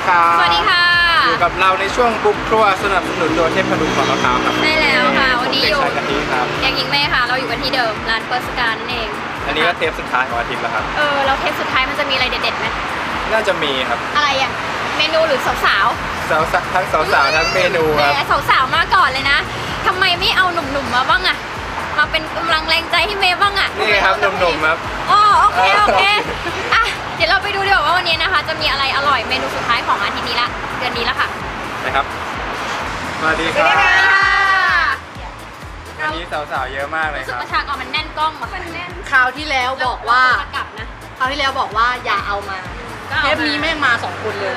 ครับสวัสดีค่ะอยู่กับเราในช่วงบุกครัวสนับสนุนโดยเทพดุงของมะพร้าวครับได้แล้วค่ะวันนี้อยู่ผมเด็กชายกะทิครับแกงยิงแม่ค่ะเราอยู่กันที่เดิมร้านเปิร์สการนั่นเองอันนี้ก็เทปสุดท้ายของอาทิตย์แล้วครับเราเทปสุดท้ายมันจะมีอะไรเด็ดๆไหมน่าจะมีครับอะไรอ่ะเมนูหรือสาวสาวทั้งสาวทั้งเมนูครับแต่สาวๆมาก่อนเลยนะทำไมไม่เอาหนุ่มๆมาบ้างอ่ะมาเป็นกำลังแรงใจให้เมย์บ้างอ่ะนี่ครับหนุ่มๆครับอ๋อโอเคอ่ะเดี๋ยวเราไปดูดีกว่าว่าวันนี้นะคะจะมีอะไรอร่อยเมนูสุดท้ายของอาทิตย์นี้ละเดือนนี้ละค่ะนะครับสวัสดีครับวันนี้สาวๆเยอะมากเลยครับประชากรมันแน่นกล้องมันแน่นคราวที่แล้วบอกว่าอย่าเอามาเทปนี้แม่งมา2 คนเลย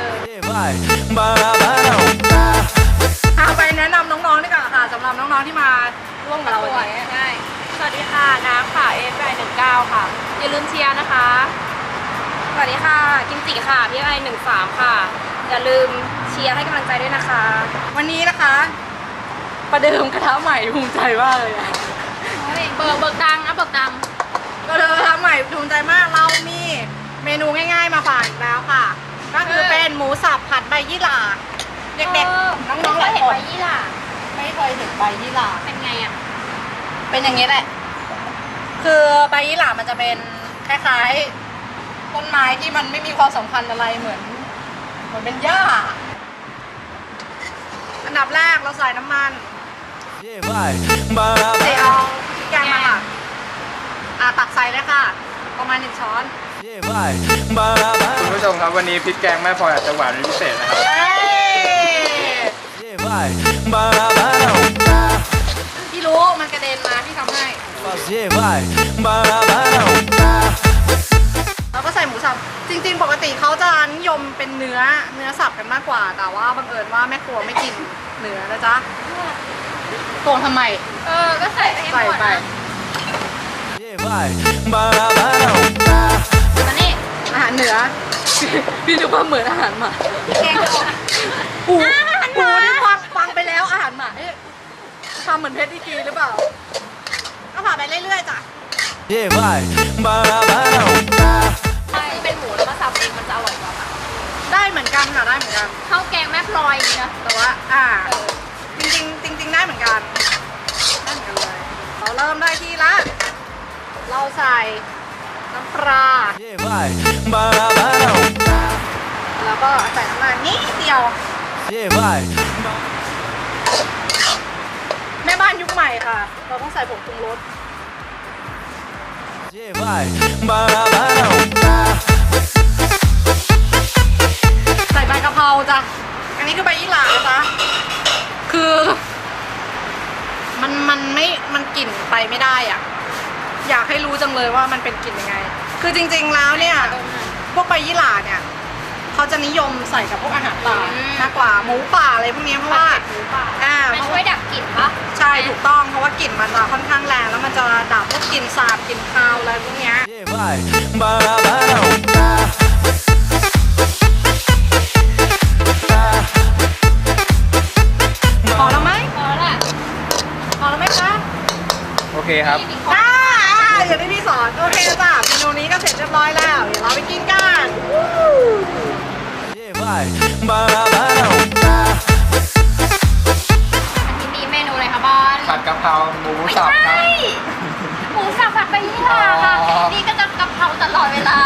เอาไปแนะนำน้องๆดีกว่าค่ะสำหรับน้องๆที่มาร่วมกับเราวันนี้ได้สวัสดีค่ะน้ำค่ะFI19ค่ะอย่าลืมเชียร์นะคะสวัสดีค่ะกิมจิค่ะPI13ค่ะอย่าลืมเชียร์ให้กำลังใจด้วยนะคะวันนี้นะคะประเดิมกระทะใหม่ภูมิใจมากเลยเบิกดังนะเบิกดังประเดิมกระทะใหม่ภูมิใจมากเรามีเมนูง่ายๆมาฝากอีกแล้วค่ะก็คือเป็นหมูสับผัดใบยี่หร่าเด็กๆน้องๆหลายคนใบยี่หร่าไม่เคยเห็นใบยี่หร่าเป็นไงอ่ะเป็นอย่างนี้แหละคือใบยี่หร่ามันจะเป็นคล้ายๆต้นไม้ที่มันไม่มีความสำคัญอะไรเหมือนเป็นหญ้าอันดับแรกเราใส่น้ำมันเดี๋ยวเอาแกงมาค่ะตักใส่เลยค่ะประมาณ1 ช้อนคุณผู้ชมครับวันนี้พริกแกงแม่พลอยอาจจะหวานเป็นพิเศษนะครับพี่รู้มันกระเด็นมาพี่ทำให้แล้วก็ใส่หมูสับจริงๆปกติเขาจะนิยมเป็นเนื้อสับกันมากกว่าแต่ว่าบังเอิญว่าแม่ครัวไม่กินเนื้อนะจ๊ะตวงทำไมก็ใส่ไปให้หมดนะมานี่อาหารเหนือพี่นึกว่าเหมือนอาหารหมาแกงปูนี่ฟังไปแล้วอาหารหมาทำเหมือนเพชรดีกีหรือเปล่าก็ผ่าไปเรื่อยๆจ้ะเป็นหมูแล้วมาสับเองมันจะอร่อยกว่าได้เหมือนกันค่ะได้เหมือนกันข้าวแกงแม่พลอยนี่นะแต่ว่าจริงได้เหมือนกันเลยเราเริ่มได้ที่ละเราใส่น้ำปลาแล้วก็ใส่น้ำมันนิดเดียวแม่บ้านยุคใหม่ค่ะเราต้องใส่ผงปรุงรสใส่ใบกะเพราจ้ะอันนี้คือใบยี่หร่าจ้ะคือมันกลิ่นไปไม่ได้อ่ะอยากให้รู้จังเลยว่ามันเป็นกลิ่นยังไงคือจริงๆแล้วเนี่ยพวกใบยี่หร่าเนี่ยเขาจะนิยมใส่กับพวกอาหารป่ามากกว่าหมูป่าอะไรพวกนี้เพราะว่ามันช่วยดับกลิ่นปะใช่ถูกต้องเพราะว่ากลิ่นมันจะค่อนข้างแรงแล้วมันจะดับพวกกลิ่นสาบกลิ่นคาวอะไรพวกนี้พอแล้วไหมพอแล้วไหมคะโอเคครับอย่างที่พี่สอนโอเคจ้ะเมนูนี้ก็เสร็จเรียบร้อยแล้วเดี๋ยวเราไปกินกันมีเมนูอะไรคะบอลผัดกะเพราหมูสับครับหมูสับผัดใบยี่หร่าค่ะนี่ก็จะกะเพราตลอดเวลา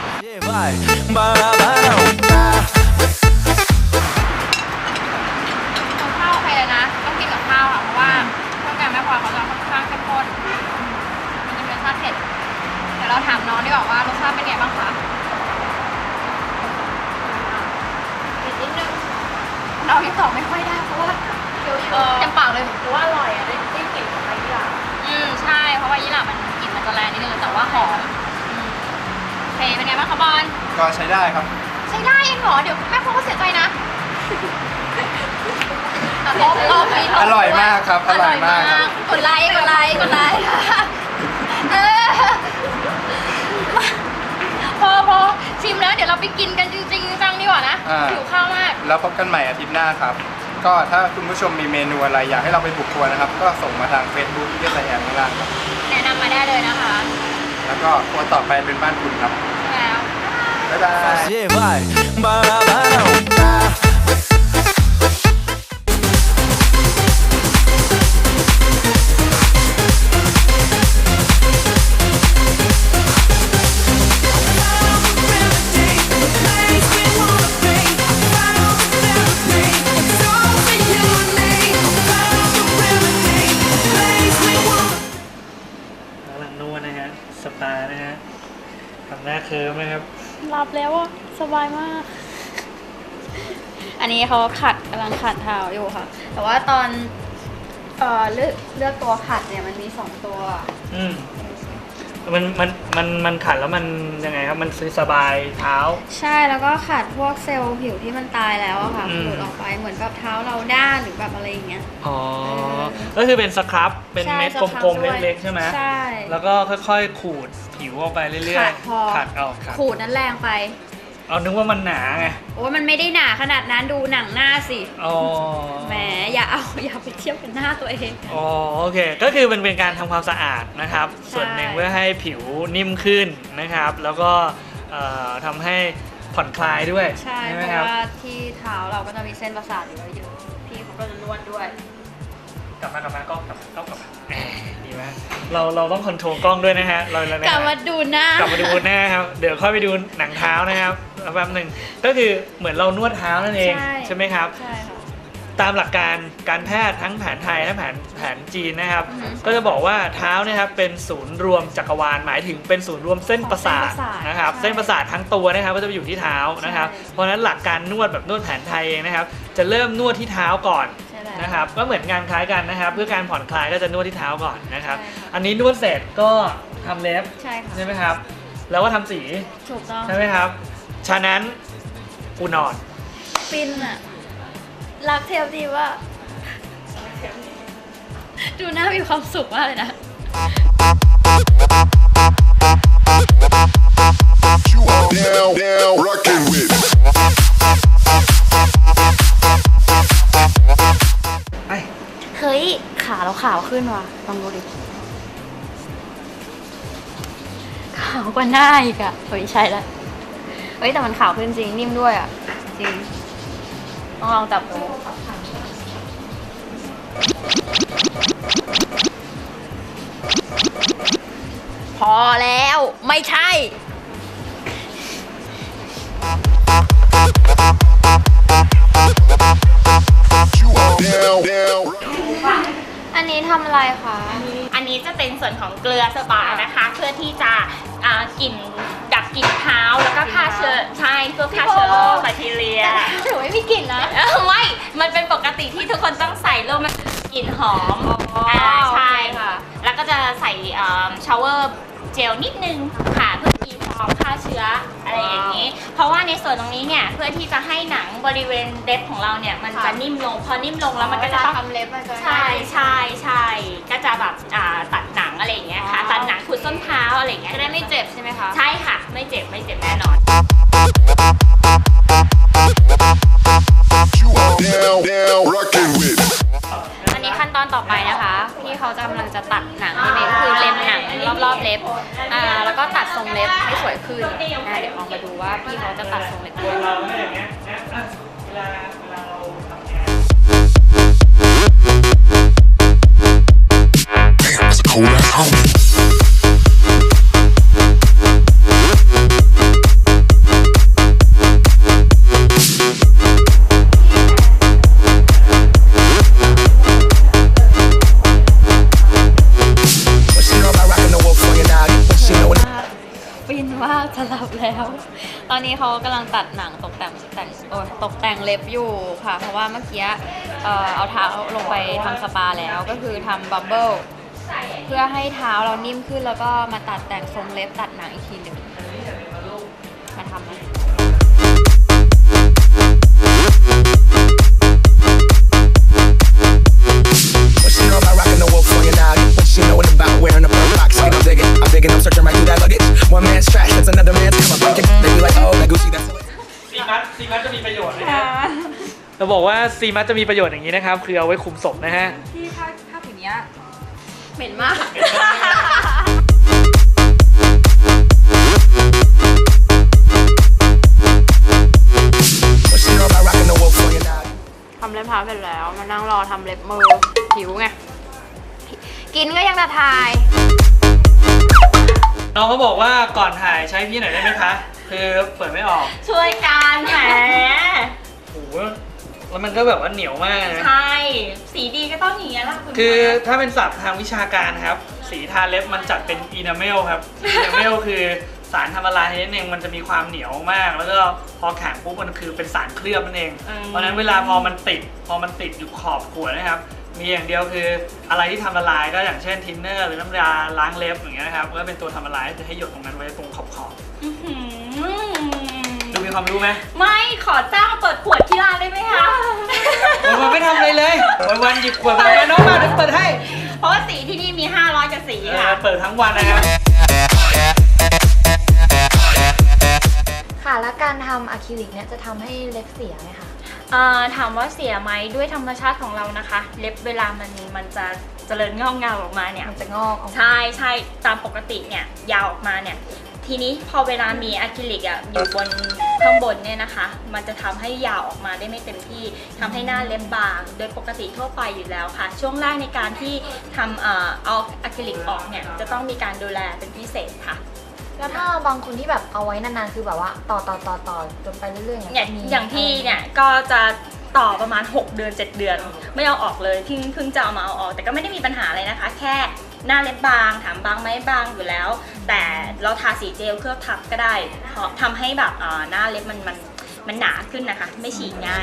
ข้าวใครเลยนะต้องกินกับข้าวอ่ะเพราะว่าเครื่องแกงแม่พลอยเขาจะค่อนข้างเข้มข้นมันจะมีรสชาติเผ็ดเดี๋ยวเราถามน้องดีกว่าว่ารสชาติเป็นไงบ้างคะเผ็ดนิดนึงเรายังตอบไม่ค่อยได้เพราะว่าเดี๋ยวเต็มปากเลยหรือว่าอร่อยอ่ะได้กลิ่นของใบยี่หร่าใช่เพราะว่ายี่หร่ามันกลิ่นมันจะแรงนิดนึงแต่ว่าหอมเผ็ดเป็นไงบ้างคะบอลก็ใช้ได้ครับใช้ได้เองเหรอเดี๋ยวแม่พ่อก็เสียใจนะอร่อยมากครับอร่อยมากครับกดไลค์พอชิมแล้วเดี๋ยวเราไปกินกันจริงๆจังดีกว่านะหิวข้าวมากแล้วพบกันใหม่อาทิตย์หน้าครับก็ถ้าคุณผู้ชมมีเมนูอะไรอยากให้เราไปบุกครัวนะครับก็ส่งมาทาง Facebook ที่ใส่แอดข้างล่างครับแนะนำมาได้เลยนะคะแล้วก็ครัวต่อไปเป็นบ้านคุณครับแล้วบ๊ายบาย Yeah, vai. Barabara. สปานะฮะทำหน้าเคิร์มนะครับหลับแล้วอ่ะสบายมาก อันนี้เขากำลังขัดเท้าอยู่ค่ะ แต่ว่าตอนเลือกตัวขัดเนี่ยมันมี2ตัวมันขัดแล้วมันยังไงครับมันสบายเท้าใช่แล้วก็ขัดพวกเซลล์ผิวที่มันตายแล้วอะค่ะหลุดออกไปเหมือนแบบเท้าเราด้านหรือแบบอะไรอย่างเงี้ยอ๋อก็คือเป็นสครับเป็นเม็ดกลมๆเล็กๆใช่ไหมใช่แล้วก็ค่อยๆขูดผิวออกไปเรื่อยๆขัดออกขูดนั้นแรงไปเอานึกว่ามันหนาไงโอ้ยมันไม่ได้หนาขนาดนั้นดูหนังหน้าสิอ๋อแหมอย่าไปเทียบกับหน้าตัวเองอ๋อโอเคก็คือมันเป็นการทำความสะอาดนะครับส่วนหนึ่งเพื่อให้ผิวนิ่มขึ้นนะครับแล้วก็ทำให้ผ่อนคลายด้วยใช่เพราะว่าที่เท้าเราก็จะมีเส้นประสาทอยู่เยอะพี่เขาก็จะนวดด้วยกลับมากล้องกลับมาดีไหมเราต้องคอนโทรลกล้องด้วยนะฮะกลับมาดูหน้ากลับมาดูหน้าครับเดี๋ยวค่อยไปดูหนังเท้านะครับแป๊บหนึ่งก็คือเหมือนเรานวดเท้านั่นเองใช่ไหมครับใช่ค่ะตามหลักการการแพทย์ทั้งแผนไทยและแผนจีนนะครับก็จะบอกว่าเท้านะครับเป็นศูนย์รวมจักรวาลหมายถึงเป็นศูนย์รวมเส้นประสาทนะครับเส้นประสาททั้งตัวนะครับก็จะไปอยู่ที่เท้านะครับเพราะฉะนั้นหลักการนวดแบบนวดแผนไทยเองนะครับจะเริ่มนวดที่เท้าก่อนนะครับก็เหมือนงานคล้ายกันนะครับเพื่อการผ่อนคลายก็จะนวดที่เท้าก่อนนะครับอันนี้นวดเสร็จก็ทำเล็บใช่ไหมครับแล้วก็ทำสีถูกต้องใช่ไหมครับฉะนั้นกูนอนฟินอะรักเทปดีว่าดูหน้ามีความสุขมากเลยนะเฮ้ยขาเราขาวขึ้นว่ะลองดูดิขาวกว่าหน้าอีกอะเฮ้ยใช่แล้วเฮ้ยแต่มันขาวขึ้นจริงนิ่มด้วยอะจริงต้องลองจับดูพอแล้วไม่ใช่อันนี้ทำอะไรคะอันนี้จะเป็นส่วนของเกลือสปานะคะเพื่อที่จะกลิ่นดับกลิ่นเท้าแล้วก็ฆ่าเชื้อใช่เพื่อฆ่าเชื้อโรคแบคทีเรียหนูไม่มีกลิ่นนะไม่มันเป็นปกติที่ทุกคนต้องใส่แล้วมันกลิ่นหอมใช่ค่ะแล้วก็จะใส่ชาวเวอร์เจลนิดนึงค่ะเพื่อตีฟองฆ่าเชื้ออะไรอย่างนี้เพราะว่าในส่วนตรงนี้เนี่ยเพื่อที่จะให้หนังบริเวณเล็บของเราเนี่ยมันจะนิ่มลงพอนิ่มลงแล้วมันก็จะต้องทำเล็บมันจะใช่ก็จะแบบตัดหนังอะไรอย่างเงี้ยค่ะตัดหนังขูดส้นเท้าอะไรอย่างเงี้ยจะได้ไม่เจ็บใช่ไหมคะใช่ค่ะไม่เจ็บแน่นอนอันนี้ขั้นตอนต่อไปนะคะพี่เขากำลังจะตัดหนังนี่เองคือเล็มหนังรอบๆเล็บแล้วก็ตัดทรงเล็บให้สวยขึ้นเดี๋ยวลองมาดูว่าพี่เขาจะตัดทรงเล็บด้วยจะหลับแล้วตอนนี้เขากำลังตัดหนังตกแต่งเล็บอยู่ค่ะเพราะว่าเมื่อกี้เอาเท้าลงไปทำสปาแล้วก็คือทำบับเบิ้ลเพื่อให้เท้าเรานิ่มขึ้นแล้วก็มาตัดแต่งทรงเล็บตัดหนังอีกทีหนึ่งมาทำนะซีมัสจะมีประโยชน์นะฮะเราบอกว่าซีมัสจะมีประโยชน์อย่างนี้นะครับคือเอาไว้คุมศพนะฮะที่ผ้าผืนนี้เหม็นมากช้าเสร็จแล้วมานั่งรอทำเล็บมือหิวไงกินก็ยังจะทายน้องเขาบอกว่าก่อนถ่ายใช้พี่หน่อยได้ไหมคะ คือเปิดไม่ออกช่วยกันแหมโอ้โหแล้วมันก็แบบว่าเหนียวมากนะใช่ สีดีก็ต้องอย่างนี้ยแหละคุณคือถ้าเป็นศัพท์ทางวิชาการครับ สีทาเล็บมันจัดเป็นอีนาเมลครับอีนาเมลคือสารทำละลายนิดนึงมันจะมีความเหนียวมาก แล้วก็พอแข็งปุ๊บมันคือเป็นสารเคลือบนั่นเอง เพราะฉะนั้นเวลาพอมันติดอยู่ขอบขวดนะครับ มีอย่างเดียวคืออะไรที่ทำละลายก็อย่างเช่นทินเนอร์หรือน้ำยาล้างเล็บอย่างเงี้ยนะครับก็เป็นตัวทำละลายจะให้หยดตรงนั้นไว้ตรงขอบอื้อหือดูมีความรู้ไหมไม่ขอจ้างเปิดขวดที่ร้านได้ไหมคะวันไม่ทำอะไรเลยวันหยิบขวดมาน้องมาเดี๋ยวเปิดให้เพราะว่าสีที่นี่มี 500กว่าสีค่ะเปิดทั้งวันนะครับค่ะแล้วการทำอะคริลิกเนี่ยจะทำให้เล็บเสียไหมคะถามว่าเสียไหมด้วยธรรมชาติของเรานะคะ เล็บเวลามันจะเจริญงอกเงาออกมาเนี่ยมันจะงอกออกมาใช่ตามปกติเนี่ยยาวออกมาเนี่ยทีนี้พอเวลามีอะคริลิกอยู่บนข้างบนเนี่ยนะคะ มันจะทำให้ยาวออกมาได้ไม่เต็มที่ทำให้หน้าเล็บบางโดยปกติทั่วไปอยู่แล้วค่ะ ช่วงแรกในการที่ทำเอาอะคริลิกออกเนี่ยจะต้องมีการดูแลเป็นพิเศษค่ะแล้วถ้าบางคนที่แบบเอาไว้นานๆคือแบบว่าต่อจนไปเรื่อยๆอย่างพี่เนี่ยก็จะต่อประมาณ6 เดือน 7 เดือน ไม่เอาออกเลยเพิ่งจะเอามาเอาออก แต่ก็ไม่ได้มีปัญหาอะไรนะคะ แค่หน้าเล็บบางถามบางไหมบางอยู่แล้ว แต่เราทาสีเจลเคลือบทับก็ได้เพราะทำให้แบบหน้าเล็บมันหนาขึ้นนะคะ ไม่ฉีกง่าย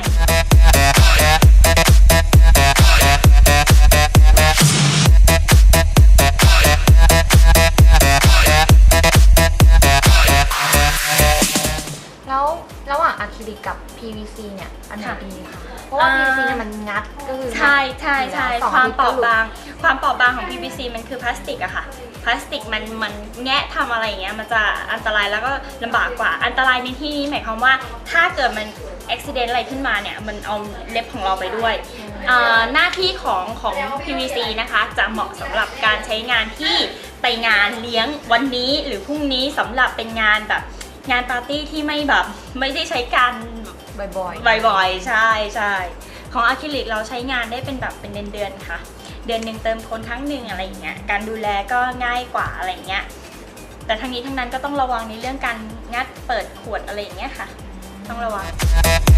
แล้วระหว่างอะคริลิกกับ PVC เนี่ยอันไหนค่ะดีคะเพราะว่า PVC เนี่ยมันงัดก็คือใช่สองความทิศเปราะก็หลุดความเปราะบางของ PVC มันคือพลาสติกอะค่ะพลาสติกมันแงะทำอะไรอย่างเงี้ยมันจะอันตรายแล้วก็ลำบากกว่าอันตรายในที่นี้หมายความว่าถ้าเกิดมันอุบิเหตุอะไรขึ้นมาเนี่ยมันเอาเล็บของเราไปด้วยหน้าที่ของ PVC นะคะจะเหมาะสำหรับการใช้งานที่ไปงานเลี้ยงวันนี้หรือพรุ่งนี้สำหรับเป็นงานแบบงานปาร์ตี้ที่ไม่ได้ใช้การบ่อยๆใช่ของอะคริลิกเราใช้งานได้เป็นแบบเป็นเดือนค่ะ เดือนหนึ่งเติมคนครั้งหนึ่งอะไรอย่างเงี้ยการดูแลก็ง่ายกว่าอะไรอย่างเงี้ยแต่ทั้งนี้ทั้งนั้นก็ต้องระวังในเรื่องการงัดเปิดขวดอะไรอย่างเงี้ยค่ะต้องระวัง